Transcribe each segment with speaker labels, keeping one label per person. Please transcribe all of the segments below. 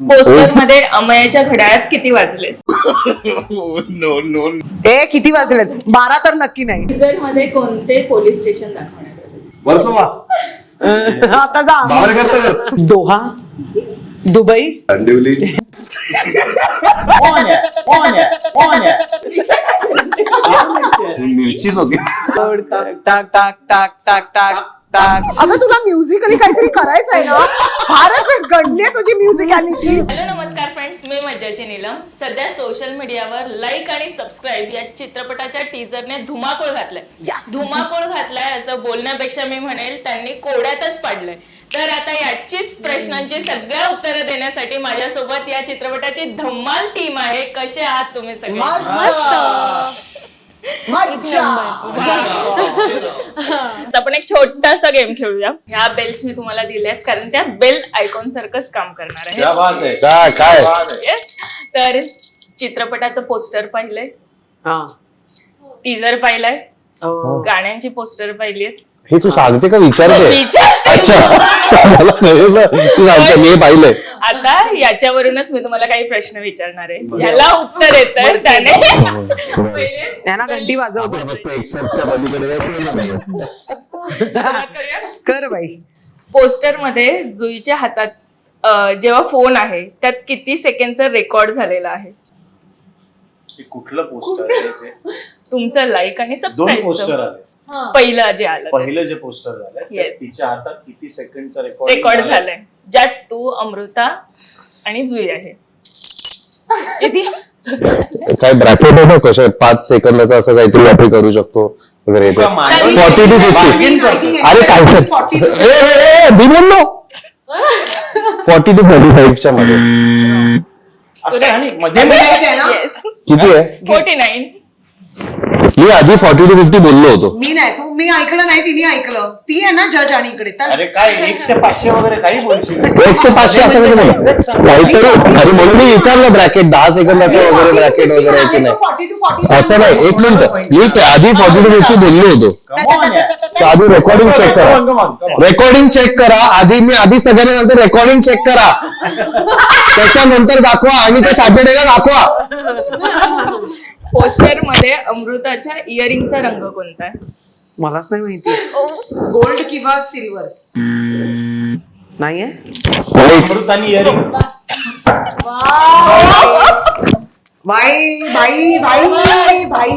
Speaker 1: Poster मध्ये अमयाच्या घड्याळात किती वाजले?
Speaker 2: नो नो
Speaker 3: ए किती वाजलेत? 12 तर नक्की नाही.
Speaker 1: टीजर मध्ये कोणते पोलीस स्टेशन दाखवण्यात आले?
Speaker 2: वर्सोवा
Speaker 3: आता जा.
Speaker 2: बाहेर करता
Speaker 3: दोहा, दुबई,
Speaker 2: अंडिवली मिरचीच होती.
Speaker 3: टाक टाक टाक टाक टाक टाक. अगं तुला म्युझिकली काहीतरी करायचंय ना. फारच गणली आहे तुझी म्युझिकॅलिटी.
Speaker 1: हॅलो नमस्कार फ्रेंड्स, मी मज्जाची नीलम. सध्या सोशल मीडियावर लाईक आणि सबस्क्राईब या चित्रपटाच्या टीजरने धुमाकूळ घातलाय. धुमाकूळ घातलाय असं बोलण्यापेक्षा मी म्हणेल त्यांनी कोड्यातच पाडलंय. तर आता याचीच प्रश्नांची सगळ्या उत्तरं देण्यासाठी माझ्यासोबत या चित्रपटाची धम्माल टीम आहे. कसे आहात तुम्ही सगळे? आपण एक छोटासा गेम खेळूया. ह्या बेल्स मी तुम्हाला दिल्यात कारण त्या बेल आयकॉन सारखंच काम करणार आहे. Yes. तर चित्रपटाचं पोस्टर पाहिलंय, टीजर पाहिलंय, गाण्यांची पोस्टर पाहिलीत.
Speaker 4: हे तू सांगते का विचारते?
Speaker 1: विचार.
Speaker 4: अच्छा मला कळलं तू सांगते मी पाहिलंय.
Speaker 1: आता याच्यावरूनच मी तुम्हाला काही प्रश्न विचारणार आहे. ज्याला उत्तर येतं त्याने पहिले
Speaker 3: त्यांना घंटी वाजव. कर बाई.
Speaker 1: पोस्टर मध्ये जुईच्या हातात जेव्हा फोन आहे त्यात किती सेकंडचा रेकॉर्ड झालेला आहे?
Speaker 2: कुठलं पोस्टर आहे?
Speaker 1: तुमचं लाईक आणि
Speaker 2: दोन पोस्टर
Speaker 1: सबस्क्राईब.
Speaker 2: आले.
Speaker 1: पहिलं जे आलं
Speaker 2: पहिलं जे पोस्टर झालं
Speaker 1: Yes.
Speaker 2: तिच्या हातात किती सेकंडचा
Speaker 1: रेकॉर्ड झालंय ज्यात तू, अमृता आणि जुई आहे.
Speaker 4: काय ब्रॅकेट आहे ना कशा 5 सेकंदाचा असं काहीतरी आपण करू शकतो वगैरे. 40 to 50. अरे काय बोललो 40 to 35 च्या मध्ये
Speaker 2: असं आणि मध्ये
Speaker 1: Yes.
Speaker 4: किती आहे?
Speaker 1: 49.
Speaker 4: मी आधी 40 to 50 बोललो होतो.
Speaker 3: मी नाही, तू मी ऐकलं नाही, तिने ऐकलं. ती आहे ना जज आणि इकडे तर
Speaker 2: अरे काय 1 ते 500 वगैरे काही बोलशील?
Speaker 4: 1 ते 500 असं कसं म्हणलं? काहीतरी अरे म्हणून मी विचारलं ब्रॅकेट 10 सेकंदाचं वगैरे ब्रॅकेट वगैरे आहे की नाही.
Speaker 3: 40 to 40.
Speaker 4: असं नाही. एक मिनिट मी आधी 40 to 50 बोललो होतो. तर आधी रेकॉर्डिंग चेक करा. रेकॉर्डिंग चेक करा आधी सगळ्यांना नंतर रेकॉर्डिंग चेक करा. त्याच्यानंतर दाखवा आणि ते सॅटर्डेला दाखवा.
Speaker 1: पोस्टर मध्ये अमृताच्या इयरिंगचा रंग कोणता आहे?
Speaker 3: मलाच नाही माहिती. गोल्ड किंवा सिल्वर नाहीये.
Speaker 2: अमृतानी इयरिंग.
Speaker 3: बाई बाई बाई बाई.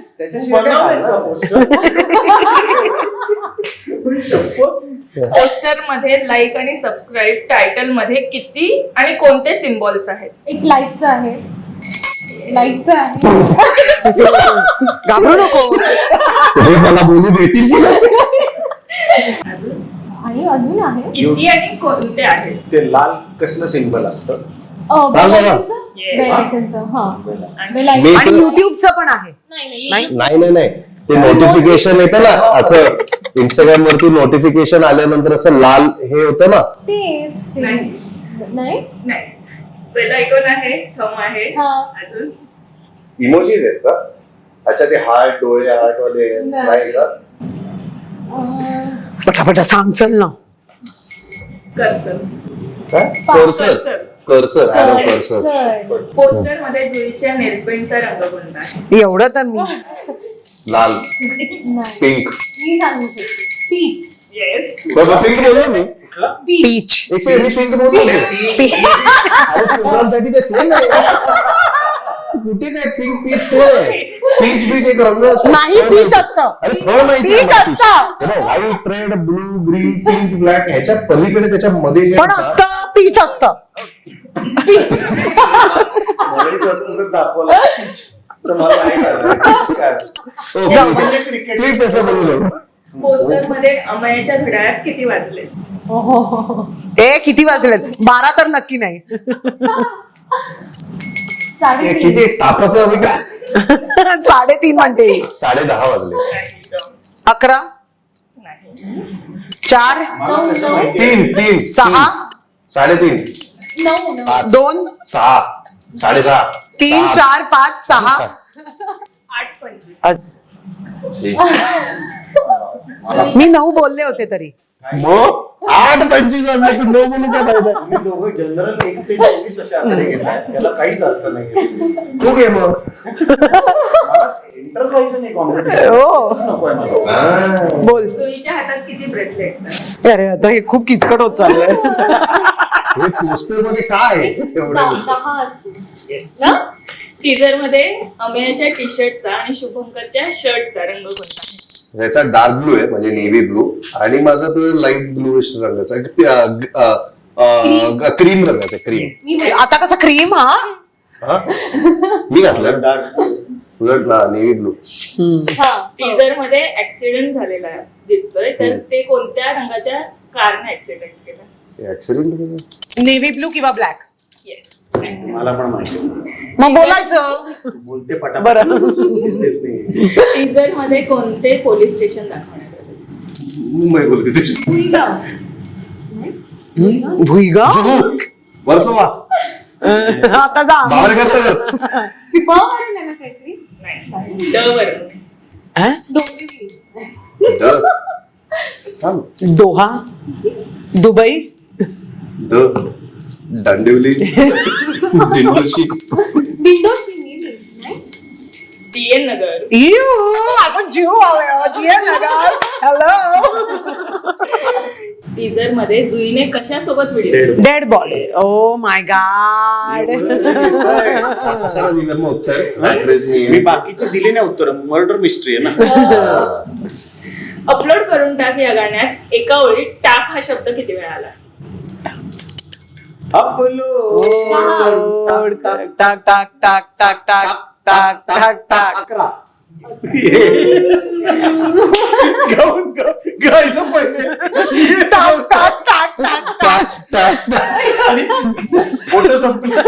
Speaker 1: पोस्टर मध्ये लाईक आणि सबस्क्राईब टायटल मध्ये किती आणि कोणते सिम्बॉल्स आहेत?
Speaker 5: एक लाईकचं आहे, लाईकचं आहे.
Speaker 3: घाबरू नको.
Speaker 4: मला बोलू देतील.
Speaker 5: आणि अजून आहे
Speaker 1: किती आणि कोणते आहेत?
Speaker 2: ते लाल कसलं सिंबल असतं?
Speaker 1: Yes.
Speaker 3: आणि युट्यूबचं पण आहे.
Speaker 4: नाही ते नोटिफिकेशन येतं ना असं इंस्टाग्राम वरती नोटिफिकेशन आल्यानंतर असं लाल हे होतं ना.
Speaker 5: तेच ते.
Speaker 1: नाही.
Speaker 5: नाही
Speaker 1: नाही. पहिला आयकॉन आहे, थंब आहे.
Speaker 5: हा.
Speaker 1: अजून
Speaker 4: इमोजीज आहेत का? अच्छा ते हार्ट डोळे हार्ट वाले नाही का?
Speaker 3: पटापटा सांग चल ना.
Speaker 1: Cursor.
Speaker 4: Cursor arrow cursor.
Speaker 1: Poster मध्ये जुईच्या नेलपेंटचा रंग कोणता आहे?
Speaker 3: एवढं तर मी
Speaker 4: लाल
Speaker 5: नाही.
Speaker 4: पिंक.
Speaker 5: मी सांगू शकते. पीच.
Speaker 1: येस.
Speaker 4: पिंक बोललो मी.
Speaker 3: पीच.
Speaker 4: एक मिनिट पिंक बोललो मी. अरे फुलांसाठी ते सेम आहे. कुठे काय पिंक पीच पीच बीच एक रंग असतो.
Speaker 3: नाही पीच असतं.
Speaker 4: अरे थोडं माहिती
Speaker 3: पीच असतं.
Speaker 4: White red blue green pink black ह्याच्या पलीकडे त्याच्यामध्ये जे
Speaker 3: पण असतं पीच असतं.
Speaker 2: दाखवलं तर मला नाही कळलं.
Speaker 4: प्लीज असं बोलू.
Speaker 1: पोस्टर मध्ये अमयाच्या घड्याळात किती वाजले?
Speaker 3: ए किती वाजलेत? 12 तर नक्की नाही.
Speaker 5: 3:30.
Speaker 4: किती तासाचं आम्ही का?
Speaker 3: 3:30 म्हणते.
Speaker 4: 10:30 वाजले.
Speaker 3: 11
Speaker 1: नाही.
Speaker 3: 4
Speaker 4: 3
Speaker 3: 6
Speaker 4: 3:30
Speaker 3: 2
Speaker 4: 6 6:30
Speaker 3: 3 4 5 6
Speaker 1: 8:25.
Speaker 3: मी 9 बोलले होते तरी.
Speaker 4: मग 8:25 वाजले तू नो बोलू काय फायदा?
Speaker 2: तुम्ही दोघं जनरल 1 ते 24 अशा आकडे घेताय त्याला काहीच अर्थ नाही.
Speaker 4: तू घे मग.
Speaker 2: इंटरेस्ट व्हायचं नाही कॉम्पिटिशन
Speaker 3: हो.
Speaker 2: नकोय मला.
Speaker 3: बोल.
Speaker 1: जुईच्या हातात किती ब्रेसलेट्स
Speaker 3: अरे आता हे खूप किचकट होत चाललंय.
Speaker 4: हे पोस्टर मध्ये काय आहे? एवढं
Speaker 5: 10 असतील ना?
Speaker 1: टीजर मध्ये अमेयाच्या टी शर्टचा आणि शुभंकरच्या शर्टचा रंग कोणता आहे?
Speaker 4: त्याचा डार्क ब्लू आहे म्हणजे नेव्ही ब्लू आणि माझा तो लाईट ब्लूइश रंगाचा क्रीम रंगाचा क्रीम.
Speaker 5: मी म्हणते,
Speaker 3: आता कसं क्रीम हा
Speaker 4: हा मी घातलं
Speaker 2: डार्क
Speaker 4: उलट नेव्ही ब्लू.
Speaker 5: हा.
Speaker 1: टीजर मध्ये ऍक्सिडेंट झालेला दिसतोय तर ते कोणत्या रंगाच्या कारने ऍक्सिडेंट केला?
Speaker 4: ऍक्सिडेंट
Speaker 3: नेव्ही ब्लू किंवा ब्लॅक.
Speaker 1: येस.
Speaker 2: मला पण माहिती आहे.
Speaker 3: मग बोलायचं.
Speaker 2: बोलते पटापट.
Speaker 3: बरं.
Speaker 2: दिसतेच नाही.
Speaker 1: टीजर मध्ये कोणते पोलीस स्टेशन दाखवण्यात आले?
Speaker 4: मुंबई बोलते
Speaker 5: भुईगाव. नाही?
Speaker 3: भुईगाव.
Speaker 4: वर्सोवा
Speaker 3: आता जा.
Speaker 4: बाहेर करता
Speaker 5: ब वरून आहे ना काहीतरी?
Speaker 1: नाही, ड वरून आहे.
Speaker 5: डोंबिवली.
Speaker 3: दोहा. दुबई.
Speaker 4: दांडिवली दिंडोशी.
Speaker 5: दिंडोशी नाही?
Speaker 1: DN नगर.
Speaker 3: आपण जीव नगर. हॅलो.
Speaker 1: टीजर मध्ये जुईने कशासोबत video?
Speaker 3: Dead body. Oh my god.
Speaker 4: कशाला दिलं मग उत्तर? Reference
Speaker 2: मी
Speaker 4: नाही.
Speaker 2: बाकीचे दिले नाही उत्तर. मर्डर मिस्ट्री आहे ना.
Speaker 1: अपलोड करून टाक या गाण्यात एका ओळीत टाक हा शब्द किती वेळा आला?
Speaker 2: अपलोड.
Speaker 3: टाक टाक टाक टाक टाक टाक टाक टाक.
Speaker 2: 11. गाऊन गायलं पहिले.
Speaker 3: टाक टाक टाक टाक टाक.
Speaker 4: टाक, टाक.
Speaker 2: आणि फोटो संपला.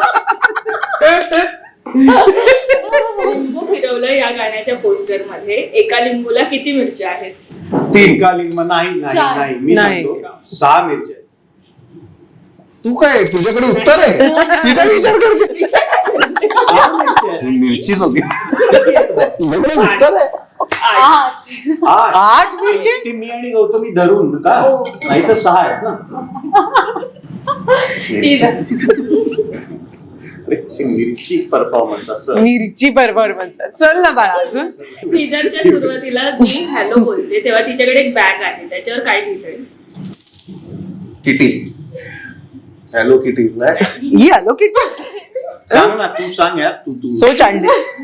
Speaker 1: लिंबू फिरवलं या गाण्याच्या पोस्टर मध्ये एका लिंबूला किती मिरच्या आहेत?
Speaker 2: 3 का लिंब नाही नाही
Speaker 5: चार.
Speaker 2: नाही मी
Speaker 3: नाही.
Speaker 2: सांगतो 6 मिरच्या आहेत.
Speaker 4: तू काय तुझ्याकडे उत्तर आहे? तिचा विचार करते.
Speaker 2: 6 मिरच्या आहेत.
Speaker 4: मिरचीच होती. तुझ्याकडे उत्तर आहे.
Speaker 1: 8.
Speaker 3: 8 मिरची?
Speaker 2: एकटी मी आणि गौतमी धरून का
Speaker 5: हो.
Speaker 2: नाही तर 6 आहेत ना. मिरची परफॉर्मन्स असं.
Speaker 3: मिरची परफॉर्मन्स. चल ना बाळा अजून.
Speaker 1: टीजरच्या सुरुवातीला जुई हॅलो बोलते तेव्हा तिच्याकडे एक बॅग आहे त्याच्यावर काय लिहिलंय?
Speaker 4: किटी. Hello kitty. नाही
Speaker 3: ही आलो की
Speaker 2: सांग ना तू सांग यार तू तू
Speaker 3: सो चांडे.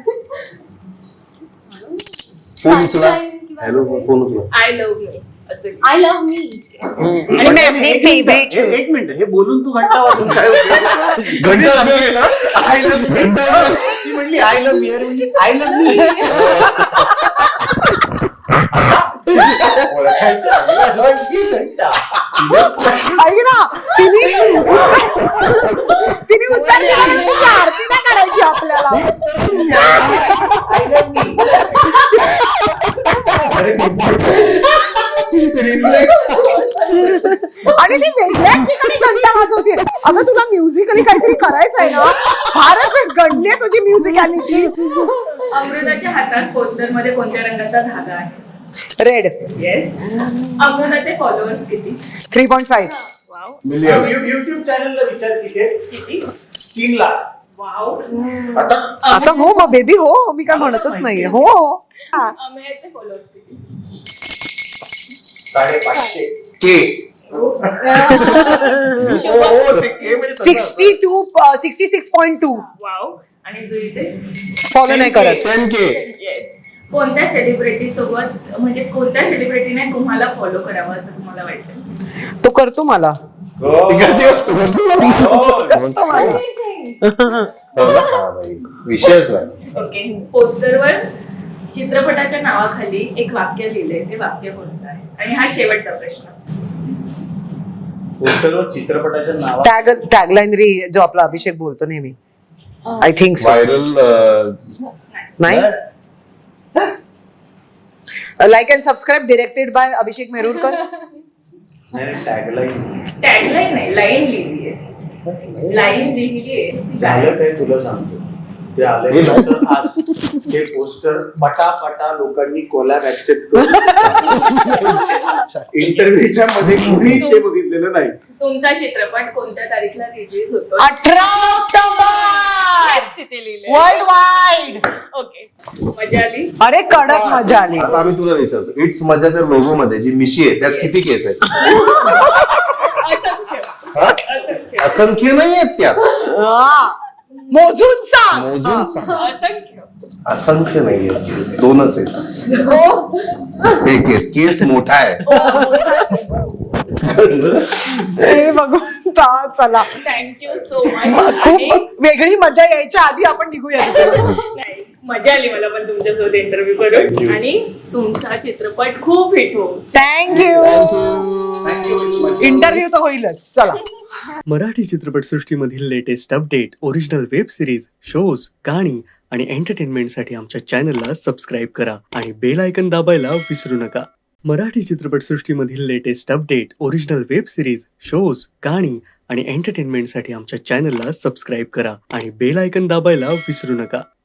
Speaker 4: फोन उचला.
Speaker 5: Sunshine किंवा
Speaker 4: हॅलो फोन उचला.
Speaker 1: आय लव्ह यू असं.
Speaker 5: I love me.
Speaker 3: आणि मेमरी फेवरेट.
Speaker 2: एक मिनिट हे बोलून तू घंटा वाजून काय होतं?
Speaker 4: घंटा वाजून
Speaker 2: आय लव्ह ती म्हणली आय लव्ह मी म्हणजे आय लव्ह मी
Speaker 3: ऐक ना तिने उत्तर दिलं नाही, तिची आरती नाही करायची आपल्याला. आणि ती वेगळ्याच ठिकाणी घंटा वाजवते. अगं तुला म्युझिकली काहीतरी करायचंय ना. फारच गणली आहे तुझी म्युझिकॅलिटी.
Speaker 1: अमृताच्या हातात पोस्टर मध्ये कोणत्या रंगाचा धागा आहे?
Speaker 3: रेड.
Speaker 1: येस. अमृताचे फॉलोअर्स किती?
Speaker 3: 3.5.
Speaker 1: वाव.
Speaker 4: मिलियन.
Speaker 2: युट्यूब चॅनलला विचार किती
Speaker 1: किती?
Speaker 2: 3 लाख.
Speaker 1: वाव.
Speaker 3: आता हो मग बेबी हो, मी काय म्हणतच नाहीये. हो हा.
Speaker 1: अमेयाचे फॉलोअर्स किती?
Speaker 2: 550.
Speaker 4: के.
Speaker 1: शुभम.
Speaker 3: 66.2.
Speaker 1: वाव. आणि जुईचे?
Speaker 3: फॉलो नाही करत.
Speaker 4: 10K.
Speaker 1: येस. कोणत्या सेलिब्रिटी सोबत म्हणजे कोणत्या सेलिब्रिटीने तुम्हाला फॉलो करावं असं तुम्हाला वाटतं?
Speaker 3: तो करतो मला.
Speaker 4: विषयच नाही.
Speaker 1: ओके. पोस्टरवर चित्रपटाच्या नावाखाली एक वाक्य लिहिलंय ते वाक्य कोणतं आहे? आणि हा शेवटचा प्रश्न.
Speaker 2: पोस्टरवर चित्रपटाच्या नावा
Speaker 3: टॅगलाईन री जो आपला अभिषेक बोलतो नेहमी. I think so.
Speaker 4: व्हायरल.
Speaker 3: नाही. Like and subscribe directed by Abhishek Merurkar.
Speaker 2: Tagline
Speaker 1: tagline नाही, लाईन लिहिली आहे. लाईन लिहिली आहे.
Speaker 2: झालं काय तुला सांगतो ते आल्यानंतर आज हे पोस्टर पटापटा लोकांनी कोलॅब ऍक्सेप्ट करून इंटरव्ह्यूच्या मध्ये कोणी ते बघितलेलं नाही.
Speaker 1: तुमचा चित्रपट कोणत्या तारीखला रिलीज होतो?
Speaker 3: 18 ऑक्टोबर
Speaker 1: तिथे लिहिलंय.
Speaker 3: World wide.
Speaker 1: ओके, मजा आली.
Speaker 3: अरे कडक मजा आली.
Speaker 6: आता आम्ही तुला विचारतो, इट्स मजाच्या लोगो मध्ये जी मिशी आहे त्यात किती केस आहेत?
Speaker 1: असंख्य.
Speaker 6: हा?
Speaker 1: असंख्य.
Speaker 6: असंख्य नाही आहेत त्यात.
Speaker 3: हा. मोजून सांग.
Speaker 6: मोजून सांग.
Speaker 1: असंख्य.
Speaker 6: असंख्य नाही आहेत, 2च आहेत. एक केस मोठा आहे.
Speaker 3: हे भगवंता, चला
Speaker 1: थँक्यू सो मच.
Speaker 3: खूप वेगळी मजा यायच्या आधी आपण निघूया.
Speaker 1: नाही, मजा आली मला पण तुमच्यासोबत इंटरव्ह्यू करून. आणि तुमचा चित्रपट खूप हिट हो.
Speaker 3: थँक्यू. इंटरव्ह्यू तर होईलच. चला.
Speaker 7: मराठी चित्रपटसृष्टीमधील latest update, original web series, shows, गाणी आणि एंटरटेनमेंटसाठी आमच्या चॅनलला सबस्क्राईब करा आणि बेल आयकन दाबायला विसरू नका. मराठी चित्रपटसृष्टीमधील latest update, original web series, shows, गाणी आणि एंटरटेनमेंटसाठी आमच्या चॅनलला सबस्क्राईब करा आणि बेल आयकन दाबायला विसरू नका.